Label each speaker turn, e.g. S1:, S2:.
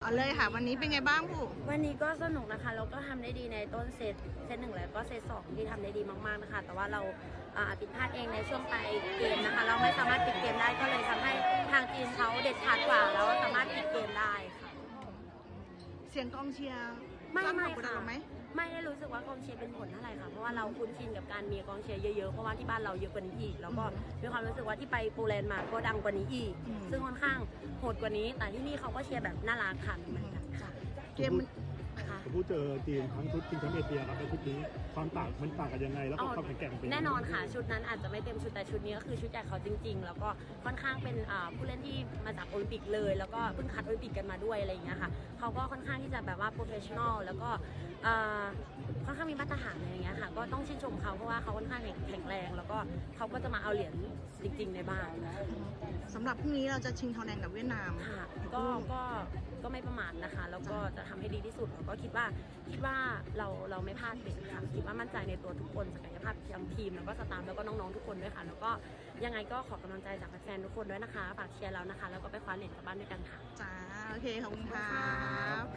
S1: เอาเลยค่ะวันนี้เป็นไงบ้างผู้
S2: วันนี้ก็สนุกนะคะแล้วก็ทำได้ดีในต้นเซตหนึ่งแล้วก็เซตสองที่ทำได้ดีมากๆนะคะแต่ว่าเราผิดพลาดเองในช่วงปลายเกมนะคะเราไม่สามารถปิดเกมได้ก็เลยทำให้ทางทีมเขาเด็ดขาดกว่าแล้วสามารถปิดเกมได้ค่ะ
S1: เสียงกองเชียร์
S2: ไม่ค่ะ
S1: ไหม
S2: ไม่ได้รู้สึกว่ากองเชียร์เป็นผลเท่าไหร่ค่ะเพราะว่าเราคุ้นชินกับการมีกองเชียร์เยอะๆเพราะว่าที่บ้านเราเยอะกว่านี้อีกแล้วก็มีความรู้สึกว่าที่ไปโปแลนด์มาก็ดังกว่านี้อีกซึ่งค่อนข้างโหดกว่านี้แต่ที่นี่เขาก็เชียร์แบบน่ารักค่ะเหมือนกันค่ะ
S1: เกม
S3: ผมพูดเจอทีมทั้งชุดทีมแชมป์เอเชียครับในชุดนี้ความต่างมันต่างกันยังไงแล้วก็ความแข็งแกร่งเป็น
S2: แน่นอนค่ะชุดนั้นอาจจะไม่เต็มชุดแต่ชุดนี้ก็คือชุดใหญ่เขาจริงๆแล้วก็ค่อนข้างเป็นผู้เล่นที่มาจากโอลิมปิกเลยแล้วก็เพิ่งคัดโอลิมปิกกันมาด้วยอะไรอย่างเงี้ยค่ะเขาก็ค่อนข้างที่จะแบบว่าโปรเฟชชั่นอลแล้วก็ค่อนข้างมีมาตรฐานอะไรอย่างเงี้ยค่ะก็ต้องชื่นชมเขาเพราะว่าเขาค่อนข้างแข็งแรงแล้วก็เขาก็จะมาเอาเหรียญจริงๆในบ้าน
S1: สำหรับพรุ่งนี้เราจะชิงทองแดงกับเวียดนาม
S2: ค่ะก็ไม่ประมาทนะคะแล้วก็จะทำให้ดีที่สุดแล้วก็คิดว่าเราไม่พลาดเด็ดค่ะคิดว่ามั่นใจในตัวทุกคนศักยภาพทั้งทีมแล้วก็สตาฟแล้วก็น้องๆทุกคนด้วยค่ะแล้วก็ยังไงก็ขอกำลังใจจากแฟนๆทุกคนด้วยนะคะฝากเชียร์เรานะคะแล้วก็ไปคว้าเหรียญกลับบ้านด้วยกันค่ะ
S1: จ้าโอเคขอบคุณครับ